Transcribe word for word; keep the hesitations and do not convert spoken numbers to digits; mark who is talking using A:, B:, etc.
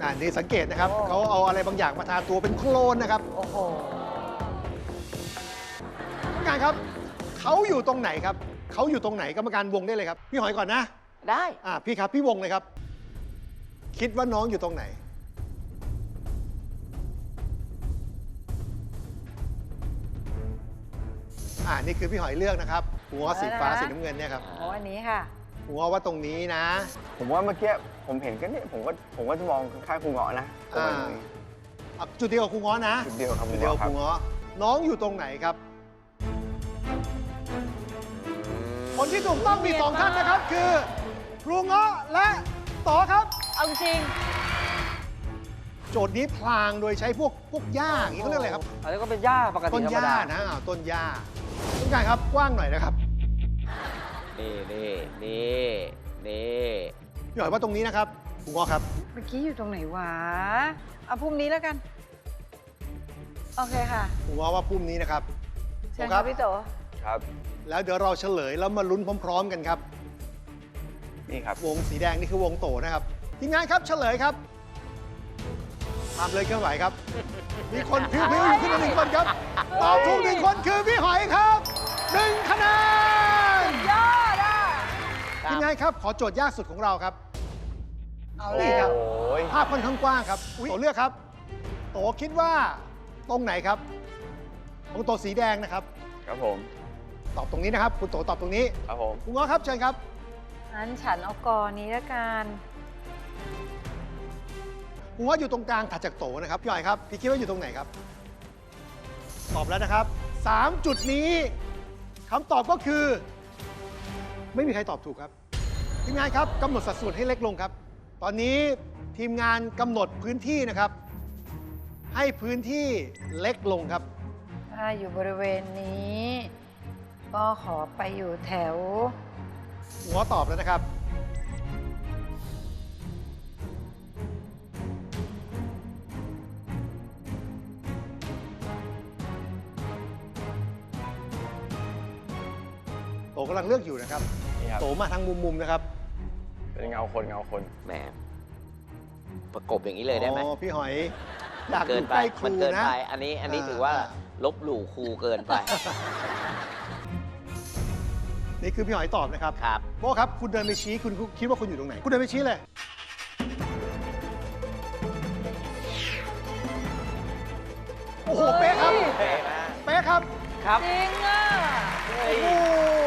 A: อ่านี่สังเกตนะครับเขาเอาอะไรบางอย่างมาทาตัวเป็นโคลนนะครับ
B: โอ้โห
A: กรรมการครับเขาอยู่ตรงไหนครับเขาอยู่ตรงไหนกรรมการวงได้เลยครับพี่หอยก่อนนะ
B: ได้
A: อ่าพี่ครับพี่วงเลยครับ คิดว่าน้องอยู่ตรงไหนอ่านี่คือพี่หอยเลือกนะครับหัวสีฟ้าสีน้ำเงินเนี่ยครับ
B: โอ้อันนี้ค่ะ
A: หัวว่าตรงนี้นะ
C: ผมว่าเมื่อกี้ผมเห็นก็เนี่ยผมก็ผมก็จะมองข้างๆครูเงาะนะ
A: อ่าอ่ะจุดเดียวกับครูง้อนะ
C: จุดเดียวครับ
A: จุดเดียวกับค
C: ค
A: รู
C: รับ
A: ง้อน้องอยู่ตรงไหนครับ คนที่ถูกต้องมีสองท่านนะครับ คือครูง้อและต่อครับ
B: เอาจริง
A: โจทย์นี้พลางโดยใช้พวกพวกหญ้าอย่างนี้เขาเรียกอะไรครับ
D: อันนี้ก็เป็นหญ้าปกติ
A: ต้น
D: ธร
A: ห
D: รม
A: ญ้า
D: ดา
A: นะอ้าวต้นหญ้าต้องการครับกว้างหน่อยนะครับ
D: นี่นี่นี่นี่
A: พี่หอยว่าตรงนี้นะครับครูง้อครับ
B: เมื่อกี้อยู่ตรงไหนวะ เอาพุ่มนี้แล้วกัน โอเคค่ะ
A: ครูง้อว่าพุ่มนี้นะครับ
B: เชิญครับพี่โต
C: ครับ
A: แล้วเดี๋ยวเราเฉลยแล้วมาลุ้นพร้อม ๆ กันครับ
C: นี่ครับ
A: วงสีแดงนี่คือวงโตนะครับทีมงานครับเฉลยครับตามเลยเคลื่อนไหวครับ มีคนพิ้วๆอยู่ขึ้นมาหนึ่งคนครับตอบถูกหนึ่งคนคือพี่หอยครับหนึ่งคะแนน
B: ยอดอ่ะ
A: ทีมงานครับขอโจทย์ยากสุดของเราครับ
B: เอา
A: นี่
B: แล้
A: คว รับ
C: โอ้ย
A: ภาพค่อนข้างกว้างครับโตเลือกครับ โตคิดว่าตรงไหนครับของโตสีแดงนะครับ
C: ครับผม
A: ตอบตรงนี้นะครับ คุณโตตอบตรงนี้
C: ครับผม
A: คุณง้อครับเชิญครับ
B: งั้นฉันเอากอนี้แล้วกัน
A: คุณง้ออยู่ตรงกลางถัดจากโตนะครับพี่หอยครับพี่คิดว่าอยู่ตรงไหนครับ ตอบแล้วนะครับสามจุดนี้คำตอบก็คือ ไม่มีใครตอบถูกครับทีมงานครับกำหนดสัดส่วนให้เล็กลงครับ ตอนนี้ทีมงานกำหนดพื้นที่นะครับ ให้พื้นที่เล็กลงครับ
B: ถ้าอยู่บริเวณนี้ ก็ขอไปอยู่แถว
A: หัวตอบแล้วนะครับ โตกำลังเลือกอยู่นะครับ
C: นี่ครับ
A: โตมาทางมุมๆนะครับ
C: เป็นเงาคนเงาคน
D: แหมประกบอย่างนี้เลยได้ไหม
A: อ๋อพี่หอยอยากอ
D: เกิน
A: ยู่
D: ไป
A: ใกล้ค
D: มั
A: รู
D: นเกิน
A: นะ
D: ไป อันนี้อันนี้
A: อ่า
D: ถือว่าลบหลู่ครูเกินไป
A: นี่คือพี่หอยตอบนะครับ
D: ครับ
A: โบครับ คุณเดินไปชี้คุณคิดว่าคุณอยู่ตรงไหน คุณเดินไปชี้เลย โอ้โห เป๊ะครับ
D: เป๊ะมาก
A: เป๊ะครับ
D: ครับ
B: จริงอ่ะ
A: โอ้โห